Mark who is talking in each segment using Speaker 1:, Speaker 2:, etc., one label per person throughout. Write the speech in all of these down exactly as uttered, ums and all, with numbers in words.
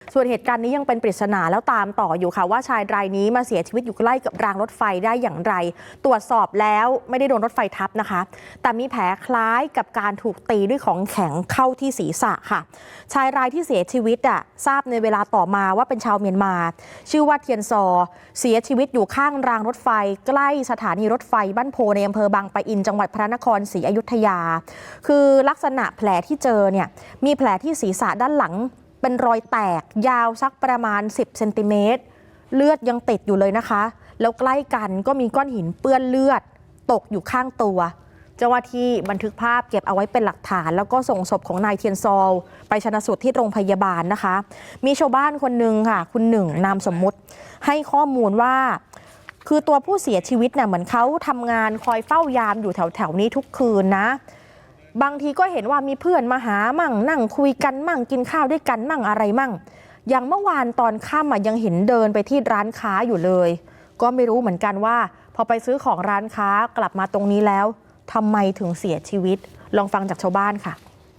Speaker 1: ส่วนเหตุการณ์นี้ยังเป็นปริศนาแล้วตามต่ออยู่ค่ะว่าชายรายนี้มาเสียชีวิตอยู่ใกล้กับรางรถไฟได้อย่างไรตรวจสอบแล้วไม่ได้โดนรถไฟทับนะคะแต่มีแผลคล้ายกับการถูกตีด้วยของแข็งเข้าที่ศีรษะค่ะชายรายที่เสียชีวิตอ่ะทราบในเวลาต่อมาว่าเป็นชาวเมียนมาชื่อว่าเทียนซอเสียชีวิตอยู่ข้างรางรถไฟใกล้สถานีรถไฟบ้านโพในอำเภอบางปะอินจังหวัดพระนครศรีอยุธยาคือลักษณะแผลที่เจอเนี่ยมีแผลที่ศีรษะด้านหลังเป็นรอยแตกยาวสักประมาณสิบเซนติเมตรเลือดยังติดอยู่เลยนะคะแล้วใกล้กันก็มีก้อนหินเปื้อนเลือดตกอยู่ข้างตัวเจ้าหน้าที่บันทึกภาพเก็บเอาไว้เป็นหลักฐานแล้วก็ส่งศพของนายเทียนซอลไปชันสูตรที่โรงพยาบาลนะคะมีชาวบ้านคนหนึ่งค่ะคุณหนึ่งนามสมมุติให้ข้อมูลว่าคือตัวผู้เสียชีวิตเนี่ยเหมือนเขาทำงานคอยเฝ้ายามอยู่แถวๆนี้ทุกคืนนะบางทีก็เห็นว่ามีเพื่อนมาหามั่งนั่งคุยกันมั่งกินข้าวด้วยกันมั่งอะไรมั่งอย่างเมื่อวานตอนค่ำยังเห็นเดินไปที่ร้านค้าอยู่เลยก็ไม่รู้เหมือนกันว่าพอไปซื้อของร้านค้ากลับมาตรงนี้แล้วทำไมถึงเสียชีวิตลองฟังจากชาวบ้านค่ะ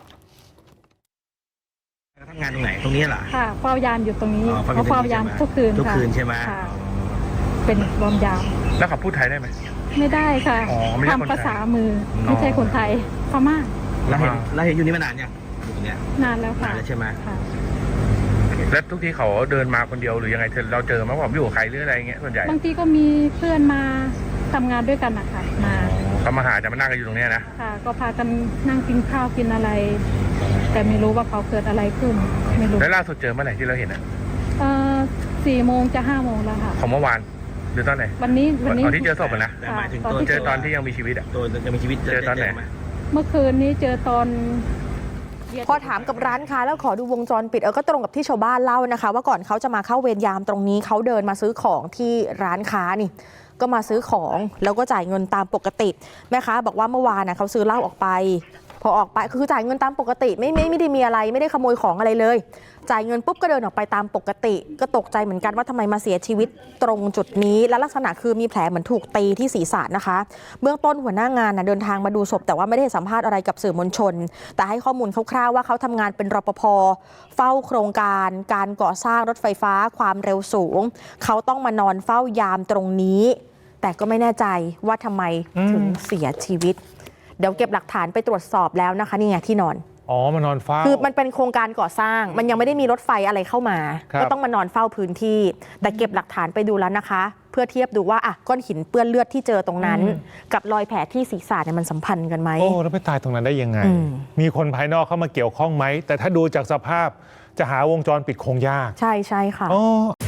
Speaker 2: ทำงานตรงไหนตรงนี้เหรอ
Speaker 3: ค่ะเฝ้ายามอยู่ตรงนี้เขาเฝ้ายามทุกคืน
Speaker 2: ทุกคืนใช่ไหม
Speaker 3: เป็นรอมยาม
Speaker 4: แล้วเขาพูดไทยได้ไหม
Speaker 3: ไม่ได้ค่ะทำภาษามือไม่ใช่คนไทยพม่า
Speaker 2: เราเห็นเราเห็นอยู่นี่มานานยังอยู่ตรงเนี้ย
Speaker 3: นานแล้วค่ะ
Speaker 2: นานแล้วใช่ไหม
Speaker 4: แล้วทุกทีเขาเดินมาคนเดียวหรือยังไงเราเจอไหมว่าอยู่กับใครหรืออะไรเงี้ยส่วนใหญ่
Speaker 3: บางทีก็มีเพื่อนมาทำงานด้วยกันนะคะมา
Speaker 4: เขามาหาจะมานั่งกันอยู่ตรงนี้นะ
Speaker 3: ค่ะก็พากันนั่งกินข้าวกินอะไรแต่ไม่รู้ว่าเขาเกิดอะไรขึ้นไม่รู้
Speaker 4: แล้วล่าสุดเจอเมื่อไหร่ที่เราเห็นอ่ะ
Speaker 3: เออสี่โมงจะห้าโมงแล้วค่ะ
Speaker 4: ของเมื่อวานหรือตอนไหน
Speaker 3: วันนี้วันนี้
Speaker 4: ตอนที่เจอศพนะ
Speaker 2: หมายถึง
Speaker 4: เจอตอนที่ยังมีชีวิตอ่ะ
Speaker 2: ตัวยังมีชีวิต
Speaker 4: เจอตอนไหน
Speaker 3: เมื่อคืนนี้เจอตอน
Speaker 1: พอถามกับร้านค้าแล้วขอดูวงจรปิดเออก็ตรงกับที่ชาวบ้านเล่านะคะว่าก่อนเขาจะมาเข้าเวรยามตรงนี้เขาเดินมาซื้อของที่ร้านค้านี่ก็มาซื้อของแล้วก็จ่ายเงินตามปกติแม่ค้าบอกว่าเมื่อวานนะเขาซื้อเหล้าออกไปพอออกไปคือจ่ายเงินตามปกติไม่ไม่ไม่ได้มีอะไรไม่ได้ขโมยของอะไรเลยจ่ายเงินปุ๊บก็เดินออกไปตามปกติก็ตกใจเหมือนกันว่าทำไมมาเสียชีวิตตรงจุดนี้และลักษณะคือมีแผลเหมือนถูกตีที่ศีรษะนะคะเบื้องต้นหัวหน้างานนะเดินทางมาดูศพแต่ว่าไม่ได้สัมภาษณ์อะไรกับสื่อมวลชนแต่ให้ข้อมูลคร่าวๆว่าเขาทำงานเป็นรปภเฝ้าโครงการการก่อสร้างรถไฟฟ้าความเร็วสูงเขาต้องมานอนเฝ้ายามตรงนี้แต่ก็ไม่แน่ใจว่าทำไมถึงเสียชีวิตเดี๋ยวเก็บหลักฐานไปตรวจสอบแล้วนะคะนี่ไงที่นอน
Speaker 4: อ๋อมานอนเฝ้า
Speaker 1: คือมันเป็นโครงการก่อสร้างมันยังไม่ได้มีรถไฟอะไรเข้ามาก็ต้องมานอนเฝ้าพื้นที่แต่เก็บหลักฐานไปดูแล้วนะคะเพื่อเทียบดูว่าอ่ะก้อนหินเปื้อนเลือดที่เจอตรงนั้นกับรอยแผลที่ศีรษะเนี่ยมันสัมพันธ์กันไหม
Speaker 4: โอ้แล้วไปตายตรงนั้นได้ยังไงมีคนภายนอกเข้ามาเกี่ยวข้องไหมแต่ถ้าดูจากสภาพจะหาวงจรปิดคงยาก
Speaker 1: ใช่ใช่ค่ะ